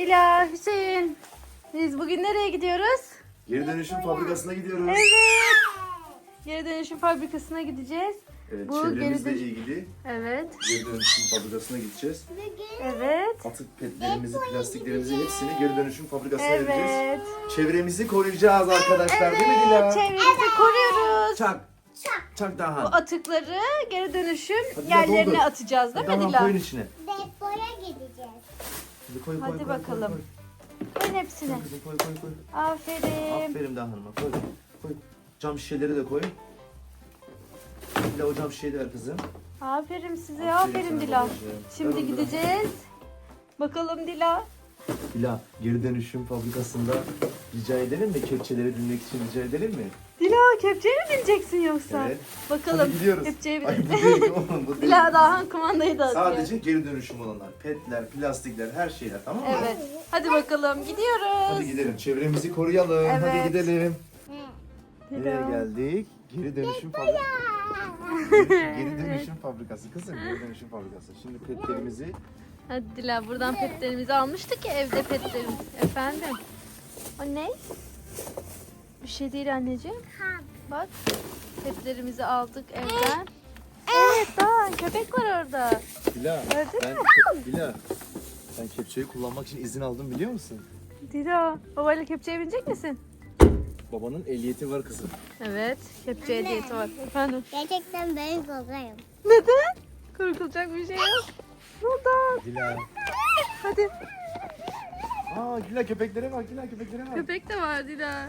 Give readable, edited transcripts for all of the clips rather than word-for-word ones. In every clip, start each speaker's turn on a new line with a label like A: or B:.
A: Dila, Hüseyin. Biz bugün nereye gidiyoruz?
B: Geri dönüşüm fabrikasına gidiyoruz.
A: Evet. Geri dönüşüm fabrikasına gideceğiz.
B: Evet,
A: Bu
B: çevremizle
A: geri dön-
B: ilgili
A: Evet.
B: geri dönüşüm fabrikasına gideceğiz.
A: Evet.
B: Atık petlerimizi, plastiklerimizi hepsini geri dönüşüm fabrikasına vereceğiz.
A: Evet.
B: Çevremizi koruyacağız arkadaşlar, değil mi
A: Evet.
B: Dila?
A: Çevremizi koruyoruz.
B: Çak. Çak
A: Bu
B: daha.
A: atıkları geri dönüşüm
B: Hadi
A: yerlerine
B: doldur.
A: atacağız değil mi
B: Daha
A: Dila?
B: koyun içine.
C: Depoya gideceğiz.
B: Koy,
A: Hadi bakalım. Koyun hepsini.
B: Koy, kızım, koy.
A: Aferin.
B: Aferin daha hanıma, koy. Koy. Cam şişeleri de koy. Dila o cam şişeyi de ver kızım.
A: Aferin size.
B: Aferin
A: Aferin
B: sana
A: Dila.
B: babacığım.
A: Şimdi
B: Ver onu
A: gideceğiz. Bakalım Dila.
B: Dila, geri dönüşüm fabrikasında rica edelim mi? Kepçeleri binmek için rica edelim mi?
A: Dila kepçeye mi bineceksin yoksa?
B: Evet.
A: Bakalım.
B: Hadi gidiyoruz.
A: Kepçeye
B: Ay
A: bin.
B: bu değil oğlum, bu değil.
A: Dila daha kumandayı da atıyor.
B: Sadece geri dönüşüm olanlar. Petler, plastikler, her şeyler, tamam mı?
A: Evet. Hadi bakalım gidiyoruz.
B: Hadi gidelim. Çevremizi koruyalım.
A: Evet.
B: Hadi gidelim.
A: Dila.
B: Nereye geldik? Geri dönüşüm fabrikası. Geri dönüşüm fabrikası kızım. Geri dönüşüm fabrikası. Şimdi petlerimizi
A: Hadi Dila buradan petlerimizi almıştık ya evde petlerimiz. Efendim. O ne? Bir şey değil anneciğim. Bak. Petlerimizi aldık evden. Evet daha köpek var orada.
B: Dila,
A: Gördün
B: Dila, ben kepçeyi kullanmak için izin aldım biliyor musun?
A: Dila babayla kepçeye binecek misin?
B: Babanın ehliyeti var kızım.
A: Evet. Kepçe hediyesi var. Efendim.
C: Gerçekten ben korkarım.
A: Neden? Korkulacak bir şey yok. Buradan.
B: Dila.
A: Hadi.
B: Dila köpeklere bak, Dila köpeklere bak.
A: Köpek de var Dila.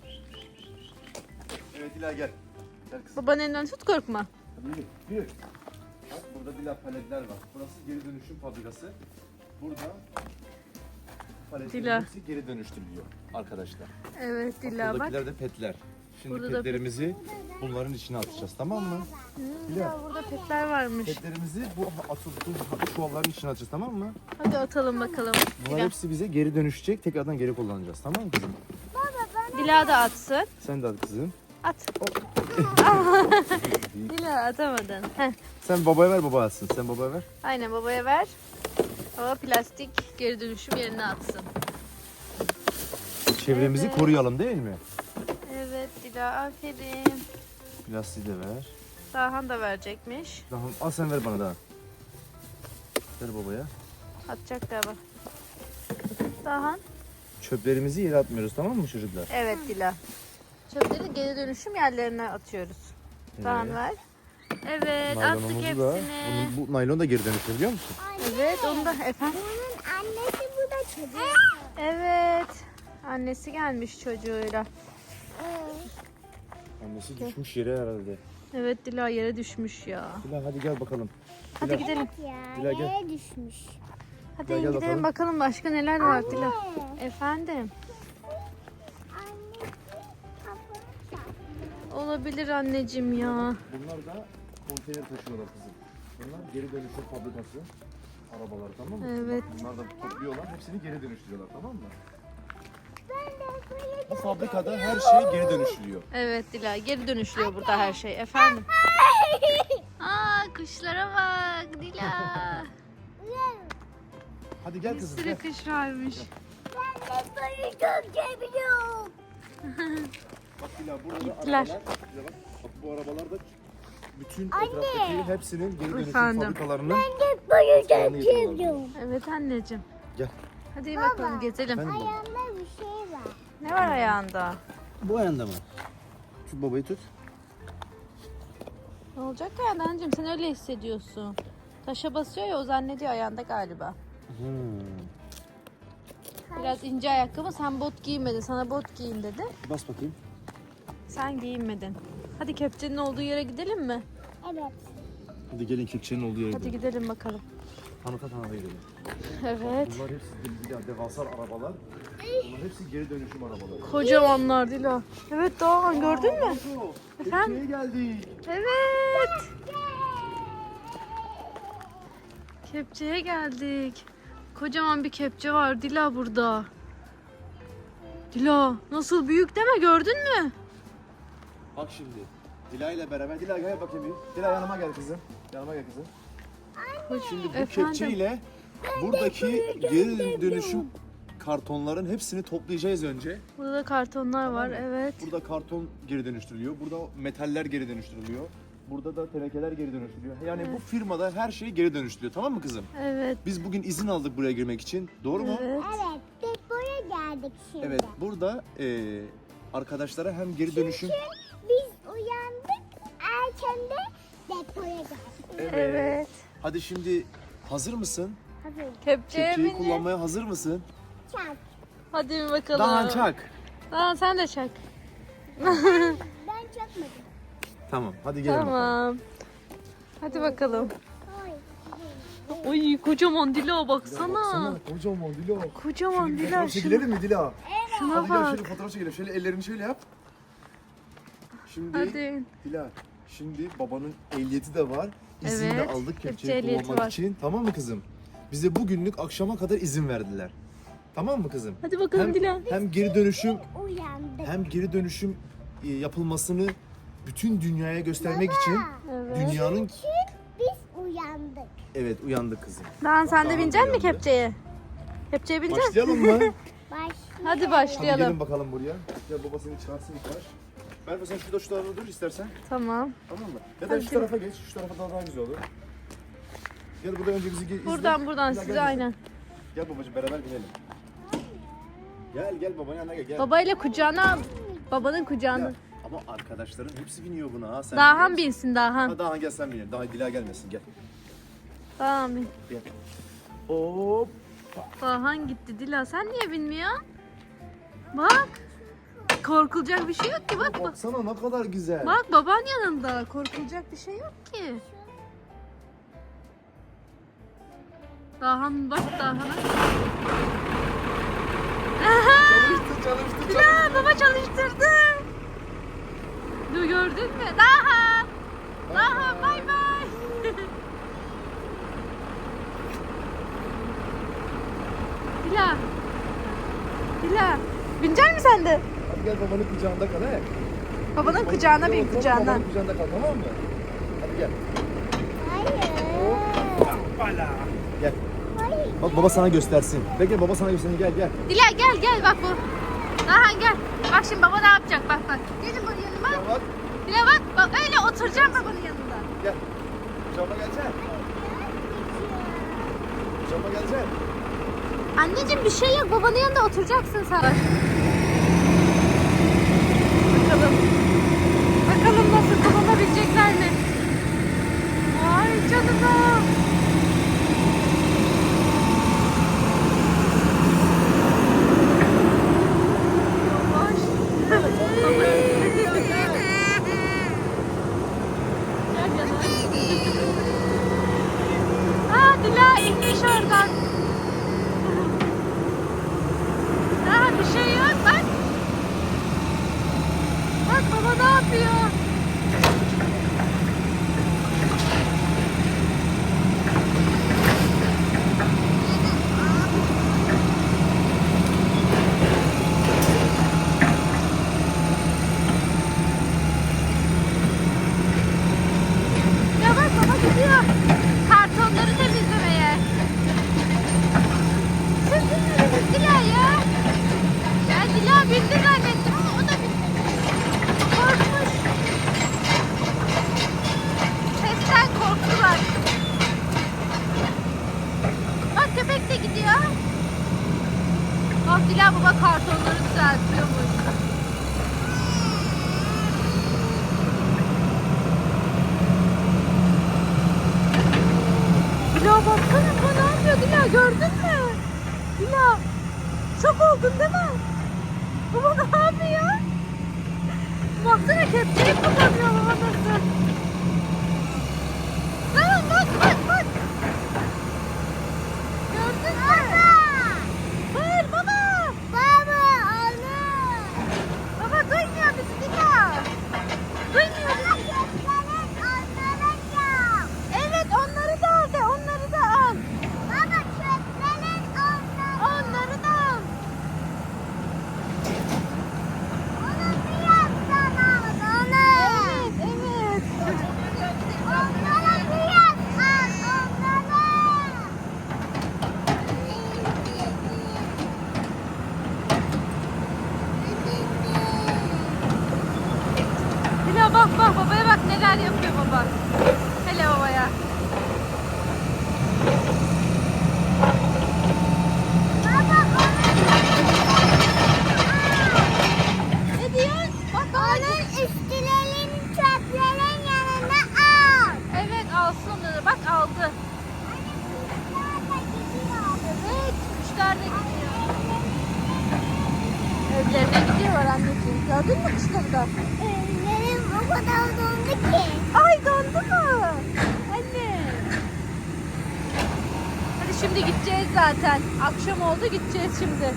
B: Evet Dila gel. Gel kızım.
A: Babanın elinden tut korkma.
B: Hadi yürü. Bak burada Dila paletler var. Burası geri dönüşüm fabrikası. Burada paletlerin
A: Dila.
B: hepsi geri dönüştürülüyor arkadaşlar.
A: Evet Dila bak.
B: Buradakiler de petler. Şimdi
A: Burada da
B: petlerimizi bunların içine atacağız, tamam mı?
A: Dila burada petler varmış.
B: Petlerimizi bu çuvalların içine atacağız, tamam mı?
A: Hadi atalım bakalım.
B: Bunlar
A: Dila.
B: hepsi bize geri dönüşecek, tekrardan geri kullanacağız, tamam mı kızım?
A: Dila da atsın.
B: Sen de at kızım.
A: At. Dila atamadın. Heh.
B: Sen babaya ver, baba atsın. Sen babaya ver.
A: Aynen babaya ver. Baba plastik geri dönüşüm yerine atsın.
B: Çevremizi
A: Evet.
B: koruyalım değil mi?
A: Evet Dila aferin.
B: Plastiği de ver.
A: Dahan da verecekmiş.
B: Daha, al sen ver bana daha. Ver babaya.
A: Atacak galiba. Dahan.
B: Çöplerimizi yere atmıyoruz, tamam mı çocuklar?
A: Evet Dila. Çöpleri geri dönüşüm yerlerine atıyoruz. Dahan ver. Evet attık
B: Naylonumuzu da.
A: hepsini.
B: Bu naylon da geri dönüşüyor biliyor musun?
A: Evet onu da efendim.
C: Bunun annesi bu da çocuk.
A: Evet. Annesi gelmiş çocuğuyla.
B: Annesi düşmüş yere herhalde.
A: Evet Dila yere düşmüş ya.
B: Dila hadi gel bakalım.
A: Hadi
B: Dila.
A: gidelim.
C: Ya
B: Dila, gel.
C: yere düşmüş.
A: Hadi
B: Gel, gel
A: gidelim bakalım başka neler var Dila. Efendim.
C: Anne.
A: Olabilir anneciğim ya.
B: Bunlar da konteyner taşıyorlar kızım. Bunlar geri dönüşüm fabrikası arabaları, tamam mı?
A: Evet.
B: Bunlar da topluyorlar, hepsini geri dönüştürüyorlar, tamam mı?
C: Ben de böyle
B: Bu fabrikada her şey geri dönüşülüyor.
A: Evet Dila geri dönüşüyor burada her şey efendim. Aa kuşlara bak Dila.
B: Hadi gel
A: Bir
B: kızım
A: sürü
B: gel.
A: kuş varmış.
C: Ben de böyle çok seviyorum.
B: Bak Dila burada da
A: Gittiler.
B: arabalar. Dila bak bu arabalar da bütün etraftaki hepsinin geri dönüşüm
A: Efendim.
B: fabrikalarının
C: Ben de böyle çok
B: Saniye kullandım.
C: seviyorum.
A: Evet anneciğim.
B: Gel.
A: Hadi bakalım gezelim.
B: Ben de.
C: Ayağımda bir şey var.
A: Ne var ayağında?
B: Bu ayağında mı? Tut babayı tut.
A: Ne olacak ayağında anneciğim sen öyle hissediyorsun. Taşa basıyor ya o zannediyor ayağında galiba. Biraz ince ayakkabı sen bot giymedin sana bot giyin dedi.
B: Bas bakayım.
A: Sen giyinmedin. Hadi kepçenin olduğu yere gidelim mi?
C: Evet.
B: Hadi gelin kepçenin olduğu yere
A: Hadi
B: gidelim.
A: gidelim bakalım.
B: Tanıta gidelim.
A: Evet.
B: Bunlar hepsi devasa arabalar. Bunlar hepsi geri dönüşüm arabaları.
A: Kocamanlar Dila. Evet Doğan gördün mü? Efendim?
B: Kepçeye geldik.
A: Evet. Kepçeye geldik. Kocaman bir kepçe var Dila burada. Dila nasıl büyük deme gördün mü?
B: Bak şimdi. Dila ile beraber. Dila gel bakayım bir. Dila yanıma gel kızım. Yanıma gel kızım. Şimdi bu
A: Efendim?
B: kepçe ile buradaki geri dönüşüm kartonların hepsini toplayacağız önce.
A: Burada da kartonlar var,
B: mı?
A: evet.
B: Burada karton geri dönüştürülüyor. Burada metaller geri dönüştürülüyor. Burada da tenekeler geri dönüştürülüyor. Yani bu firmada her şey geri dönüştürülüyor. Tamam mı kızım?
A: Evet.
B: Biz bugün izin aldık buraya girmek için. Doğru mu?
A: Evet.
C: Evet, biz buraya geldik şimdi.
B: Evet. Burada arkadaşlara hem geri dönüşüm...
C: Biz uyandık, erken de depoya geldik.
A: Evet.
B: Hadi şimdi hazır mısın?
C: Hazır.
A: Kepçeye
B: Kepçeyi
A: bindi.
B: kullanmaya hazır mısın?
C: Çak.
A: Hadi bir bakalım.
B: Daha çak.
A: Daha sen de çak.
C: Ben çakmadım.
B: Tamam. Hadi gelin bakalım.
A: Tamam. Hadi bakalım.
C: Oy.
A: Oy kocaman Dila baksana.
B: Kocaman Dila.
A: Kocaman Dila.
B: Fotoğraf çekilelim mi Dila?
A: Şuna
B: Hadi gel
A: bak.
B: şöyle fotoğraf çekelim. Şöyle ellerini şöyle yap. Şimdi
A: Hadi.
B: Dila, şimdi babanın ehliyeti de var. İzin de
A: Evet,
B: aldık
A: kepçe
B: kepçeyi
A: ehliyeti
B: kullanmak
A: var.
B: için. Tamam mı kızım? Bize bugünlük akşama kadar izin verdiler. Tamam mı kızım?
A: Hadi bakalım Dila.
B: Hem geri dönüşüm
C: Uyandık.
B: Yapılmasını bütün dünyaya göstermek için
A: Evet.
B: dünyanın
C: Biz uyandık.
B: evet uyandık kızım.
A: Daha sen de
B: Daha
A: binecek misin
B: uyandı.
A: kepçeye? Kepçeye binecek misin?
B: Başlayalım mı?
C: Başlayalım.
A: Hadi
B: Hadi
A: başlayalım.
B: gelin bakalım buraya. Gel babasını çıkarsın ilk baş. Berfe sen şu tarafa dur istersen.
A: Tamam.
B: Tamam mı? Ya da
A: Hadi.
B: şu tarafa geç. Şu tarafa daha güzel olur. Gel burada önce bizi izle.
A: Buradan
B: Gel,
A: size
B: gel.
A: aynen.
B: Gel babacığım beraber binelim. Gel babanın yanına gel.
A: Babayla kucağına al. Babanın kucağına.
B: Ya, ama arkadaşların hepsi biniyor buna ha. Sen
A: Dahan
B: biliyor musun?
A: binsin Dahan.
B: Ha, Dahan gel sen binelim. Daha Dila gelmesin gel.
A: Dahan bin.
B: Gel. Hop.
A: Dahan gitti Dila. Sen niye binmiyorsun? Bak. Korkulacak bir şey yok ki bak bak.
B: Baksana ne kadar güzel.
A: Bak baban yanında. Korkulacak bir şey yok ki. Dahan bak Dahan'a.
B: Çalıştı.
A: Dila baba çalıştırdı. Dur gördün mü? Dahan. Dahan bay bay. Dila. Dila. Binecek misin sen de?
B: Hadi gel babanın kucağında kal he.
A: Babanın kucağına bin
B: Otur,
A: kucağına.
B: Babanın kucağında kal tamam mı? Hadi gel.
C: Hayır.
B: Gel.
C: Hayır.
B: Bak baba sana göstersin. Bekle baba sana göstersin gel gel.
A: Dila gel bak bu. Dahan gel. Bak şimdi baba ne yapacak bak bak. Gelin bunun yanıma.
B: Gel bak.
A: Dila bak öyle oturacağım babanın yanında.
B: Gel. Kucağıma geleceksin. Kucağıma geleceksin.
A: Anneciğim bir şey yok babanın yanında oturacaksın sen. Bakalım nasıl kullanabilecekler mi? Vay canına. Dila inmiş oradan. Daha bir şey yok bak. Bak baba ne yapıyor? Ya bak baba gidiyor. Kartonları temizlemeye. Siz dinlediniz Dila ya. Ben Dila bindi zannettim ama o da bindi. Korkmuş. Sesten korktular. Bak köpek de gidiyor. Bak Dila baba kartonları düzeltiyormuş. Dila baksana bu ne yapıyor Dila gördün mü? Dila şok oldun değil mi? Baba ne yapıyor? Baksana kepçeyi kullanıyor baba nasıl? Tamam bak. Gördün mü? Bağır baba.
C: Baba olur.
A: Baba duymuyor bizi Dila. Duymuyor bizi. Evet onları da al de onları da al.
C: Baba çöplerin onları.
A: Onları da al.
C: Onu bir yapsana. Onu.
A: Evet. bak neler yapıyor baba. Hele babaya. Ne diyor? Bak
C: Onun üstülerin çöplerin yanına al.
A: evet alsın onları. Bak aldı.
C: Nerede gidiyor?
A: Evet kuşlar da gidiyor. Evlerine gidiyorlar anneciğim. Gördün mü kuşları da?
C: Benim o kadar dondu ki.
A: Ay dondu mu? Anne. Hadi şimdi gideceğiz zaten. Akşam oldu gideceğiz şimdi.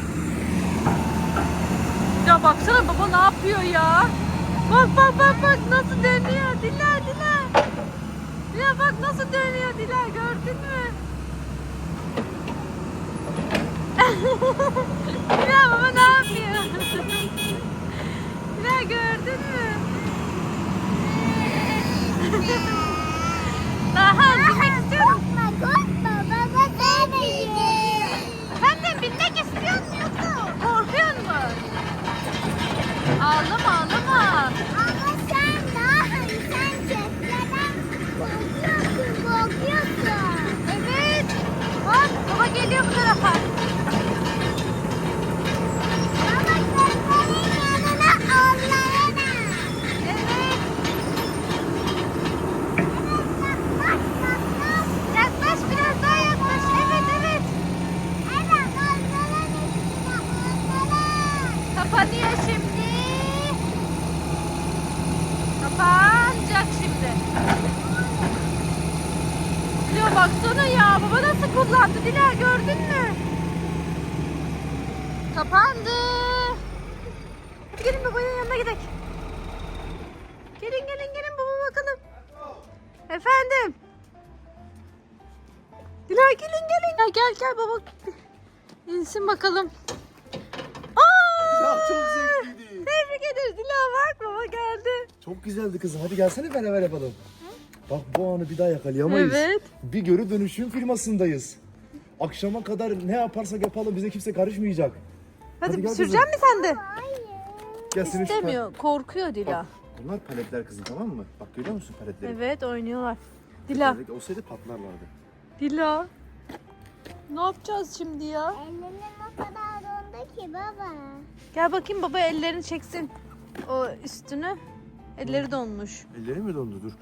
A: Ya baksana baba ne yapıyor ya? Bak bak bak bak nasıl dönüyor Dila Dila. Dila bak nasıl dönüyor Dila gördün mü? Dila baba ne yapıyor? Dila gördün mü? Daha binmek istiyorum.
C: Korkma baba sevmeyecek.
A: Efendim binmek istiyor musun? Korkuyor musun? Ağlama ağlama.
C: Ama sen sen çöplerden korkuyorsun.
A: Evet. Bak baba geliyor bu tarafa.
C: Ama çöplerin yanına onlarına.
A: Evet.
C: Bak bak bak.
A: Yaklaş biraz daha yaklaş. Evet evet.
C: Evet onların üstüne onlara.
A: Kapanıyor şimdi. Kapanacak şimdi. Dila baksana ya baba nasıl kullandı Dila gördün mü? Kapandı. Hadi gelin babanın yanına gidelim. Gelin gelin gelin baba bakalım. Efendim. Dila gelin gelin. Ya gel gel baba. İnsin bakalım. Aa!
B: Ya çok zevkliydi.
A: Tebrik ederiz Dila bak baba geldi.
B: Çok güzeldi kızım. Hadi gelsene beraber yapalım. Bak bu anı bir daha yakalayamayız.
A: Evet.
B: Bir geri dönüşüm firmasındayız. Akşama kadar ne yaparsak yapalım bize kimse karışmayacak.
A: Hadi,
B: gel
A: sürecek misin sen de?
C: Hayır.
B: Gel seni şu
A: İstemiyor. Korkuyor Dila.
B: Bak, bunlar paletler kızım tamam mı? Bak görüyor musun paletleri?
A: Evet oynuyorlar. Dila.
B: Paletler olsaydı patlarlardı.
A: Dila. Ne yapacağız şimdi ya?
C: Ellerim o kadar dondu ki baba.
A: Gel bakayım baba ellerini çeksin. O üstünü. Elleri donmuş.
B: Elleri mi dondu? Dur.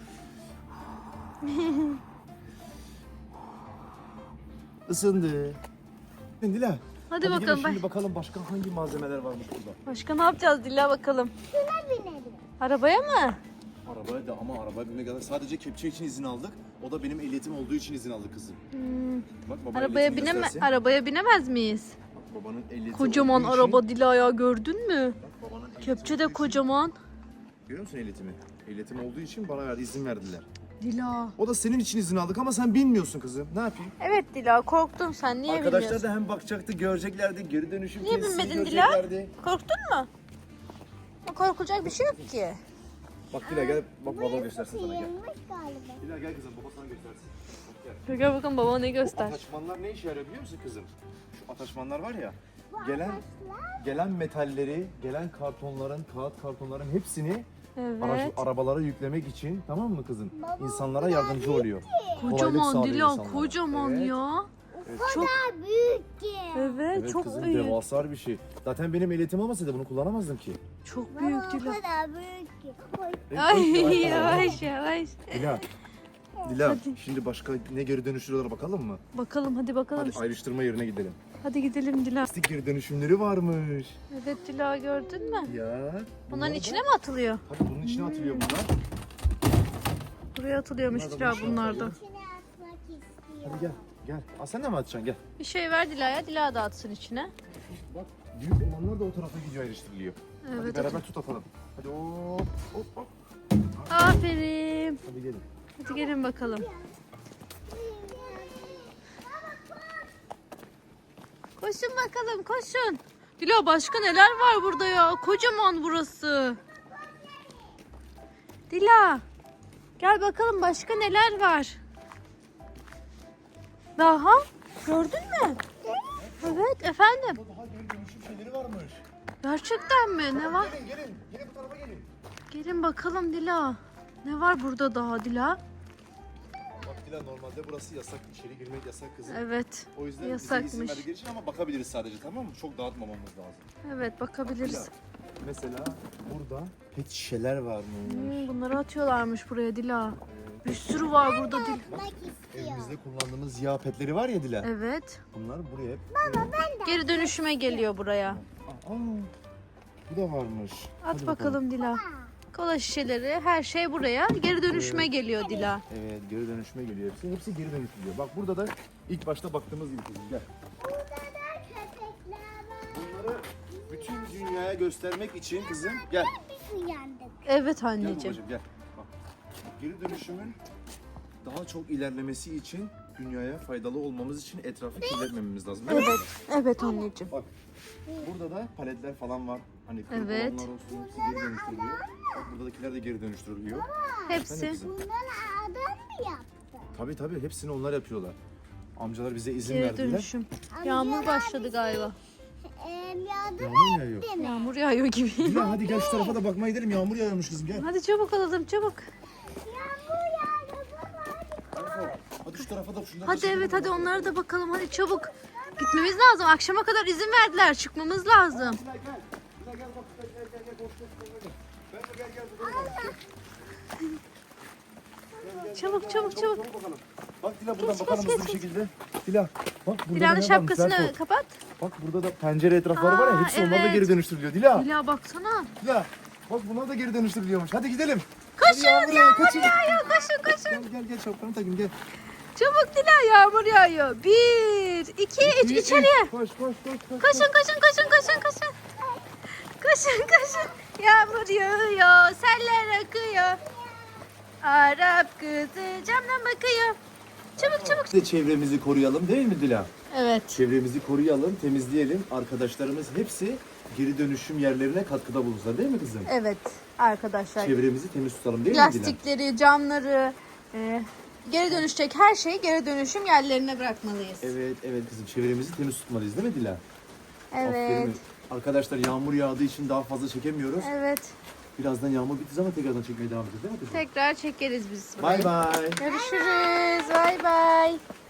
B: Isındı. Dila.
A: Hadi
B: gelin
A: bakalım.
B: Şimdi bakalım başka hangi malzemeler varmış burada.
A: Başka ne yapacağız Dila bakalım.
C: Şuna binelim.
A: Arabaya mı?
B: Arabaya da ama arabaya binmek kadar sadece kepçe için izin aldık. O da benim ehliyetim olduğu için izin aldık kızım. Bak baba
A: Arabaya
B: ehliyetini göstersin.
A: arabaya binemez miyiz?
B: Bak, babanın ehliyeti
A: Kocaman
B: olduğu için-
A: araba Dila ya gördün mü?
B: Bak, babanın ehliyeti
A: Kepçe de
B: olduğu için-
A: kocaman.
B: Görüyor musun ehliyetimi? Ehliyetim olduğu için bana izin verdiler.
A: Dila.
B: O da senin için izin aldık ama sen bilmiyorsun kızım. Ne yapayım?
A: Evet Dila korktun sen niye
B: Arkadaşlar
A: bilmiyorsun?
B: da hem bakacaktı, göreceklerdi, geri dönüşüm
A: Niye
B: tesisi
A: binmedin Dila?
B: göreceklerdi.
A: Korktun mu? Korkulacak bir şey yok ki.
B: Bak Dila gel, bak baba göstersin sana gel.
C: Sıyırmış galiba.
B: Dila gel kızım, baba sana göstersin. Bak, gel.
A: Gel bakalım baba ne
B: Bu
A: göster.
B: ataşmanlar ne işe yarıyor biliyor musun kızım? Şu ataşmanlar var ya,
C: Bu
B: gelen
C: ağaçlar
B: gelen metalleri, gelen kartonların, kağıt kartonların hepsini
A: Evet.
B: arabalara yüklemek için tamam mı kızım?
C: Baba,
B: İnsanlara
C: bu kadar
B: yardımcı oluyor. Kolaylık
A: Kocaman
B: sağlıyor
A: Dila
B: insanlara.
A: kocaman
B: Evet.
A: ya.
C: o kadar büyük ki.
A: Evet,
B: Evet
A: çok
B: kızım
A: büyük.
B: devasa bir şey. Zaten benim ehliyetim olmasaydı bunu kullanamazdım ki.
A: Çok
C: Baba
A: büyük
C: o
A: Dila.
C: kadar büyük ki. Oy.
A: Ay
B: Yavaş,
A: yavaş yavaş.
B: Dila. Dila şimdi başka ne geri dönüştürüyorlar bakalım mı?
A: Bakalım hadi bakalım.
B: Hadi ayrıştırma yerine gidelim.
A: Hadi gidelim Dila.
B: Plastik geri dönüşümleri varmış.
A: Evet Dila gördün mü?
B: Ya.
A: Bunların
B: da-
A: içine mi atılıyor?
B: Tabii bunun içine atılıyor bunlar.
A: Buraya atılıyormuş
B: Bunlar da
A: Dila
B: bunun içine
A: bunlar da.
B: atılıyor.
C: İçine atmak istiyor.
B: Hadi gel. Gel. Aa, sen de mi atacaksın gel.
A: Bir şey ver Dila'ya. Dila da atsın içine.
B: Bak büyük olanlar da o tarafa gidiyor ayrıştırılıyor. Hadi
A: Evet.
B: beraber tut atalım. Hadi hop hop hop.
A: Aferin.
B: Hadi gelin.
A: Hadi gelin bakalım. Koşun bakalım koşun. Dila başka neler var burada ya? Kocaman burası. Dila. Gel bakalım başka neler var. Daha? Gördün mü? Evet efendim.
B: Daha geri dönüşüm şeyleri varmış.
A: Gerçekten mi? Ne var?
B: Gelin gelin. Gelin bu tarafa gelin.
A: Gelin bakalım Dila. Ne var burada daha Dila?
B: Bak Dila, normalde burası yasak. İçeri girmek yasak kızım.
A: Evet.
B: O yüzden bize izin
A: Yasakmış.
B: verdikleri için ama bakabiliriz sadece, tamam mı? Çok dağıtmamamız lazım.
A: Evet bakabiliriz.
B: Dila, mesela burada pet şişeler varmış.
A: Bunları atıyorlarmış buraya Dila. Bir sürü var burada Dila.
C: Bak istiyor.
B: Evimizde kullandığımız yağ petleri var ya Dila.
A: Evet.
B: Bunlar buraya hep...
A: Geri dönüşüme geliyor buraya.
B: Aa, bu da varmış.
A: At
B: Hadi
A: bakalım Dila. Kola şişeleri, her şey buraya geri dönüşüme geliyor Dila.
B: Evet, geri dönüşüme geliyor hepsi. Hepsi geri dönüşülüyor. Bak burada da ilk başta baktığımız gibi kızım, gel.
C: Burada da köpekler var.
B: Bunları bütün dünyaya göstermek için kızım, gel.
C: Biz uyandık.
A: Evet
B: Gel
A: anneciğim.
B: babacığım, gel. Bak, geri dönüşümün daha çok ilerlemesi için, dünyaya faydalı olmamız için etrafı kirletmememiz lazım. Değil mi?
A: Evet. Evet anneciğim.
B: Bak, burada da paletler falan var. Hani kırık
A: Evet.
B: olanlar olsun, hepsi geri dönüştürülüyor. Bak buradakiler de geri dönüştürülüyor. Sen de
A: Hepsi.
B: kızım.
C: Bunları adam mı yaptı?
B: Tabii hepsini onlar yapıyorlar. Amcalar bize izin
A: Geri
B: verdiler.
A: dönüşüm. Yağmur başladı galiba.
C: Yardım
B: Yağmur yağıyor.
C: etti mi?
A: Yağmur yağıyor gibi.
B: Dila hadi gel şu tarafa da bakmaya gidelim. Yağmur yağıyormuş kızım, gel.
A: Hadi çabuk alalım çabuk.
C: Yağmur yağdı baba.
B: Hadi şu tarafa da şunları da
A: Hadi
B: çekelim.
A: evet hadi onlara da bakalım hadi çabuk. Gitmemiz lazım. Akşama kadar izin verdiler. Çıkmamız lazım.
B: Dila gel. Dila gel bak. Gel. Boş gel. Ben de gel burada.
A: Çabuk.
B: Bakalım. Bak Dila buradan
A: Geç,
B: bakalım
A: geç,
B: hızlı bir şekilde. Dila bak burada
A: Dila'nın
B: ne varmış,
A: şapkasını
B: Berko.
A: kapat.
B: Bak burada da pencere etrafları var ya,
A: Aa,
B: hepsi onlar da
A: evet.
B: geri dönüştürülüyor. Dila.
A: Dila baksana.
B: Dila. Bak bunlar da geri dönüştürülüyormuş. Hadi gidelim.
A: Koşun,
B: Hadi yağmur
A: yağıyor, koşun.
B: Gel şapkanı takayım gel.
A: Çabuk Dila yağmur yağıyor. 1, 2, 3 içeriye.
B: Koş.
A: Koşun. Koşun. Yağmur yağıyor, seller akıyor. Arap kızı camdan bakıyor. Çabuk.
B: Biz de çevremizi koruyalım değil mi Dila?
A: Evet.
B: Çevremizi koruyalım, temizleyelim. Arkadaşlarımız hepsi geri dönüşüm yerlerine katkıda bulunsunlar değil mi kızım?
A: Evet arkadaşlar.
B: Çevremizi temiz tutalım değil mi Dila?
A: Plastikleri, camları, geri dönüşecek her şeyi geri dönüşüm yerlerine bırakmalıyız.
B: Evet kızım, çevremizi temiz tutmalıyız değil mi Dila?
A: Evet.
B: Aferin. Arkadaşlar yağmur yağdığı için daha fazla çekemiyoruz.
A: Evet.
B: Birazdan yağmur bittiği zaman tekrardan çekmeye devam edeceğiz değil mi kızım?
A: Tekrar çekeriz biz.
B: Bay bay.
A: Görüşürüz. Bay bay.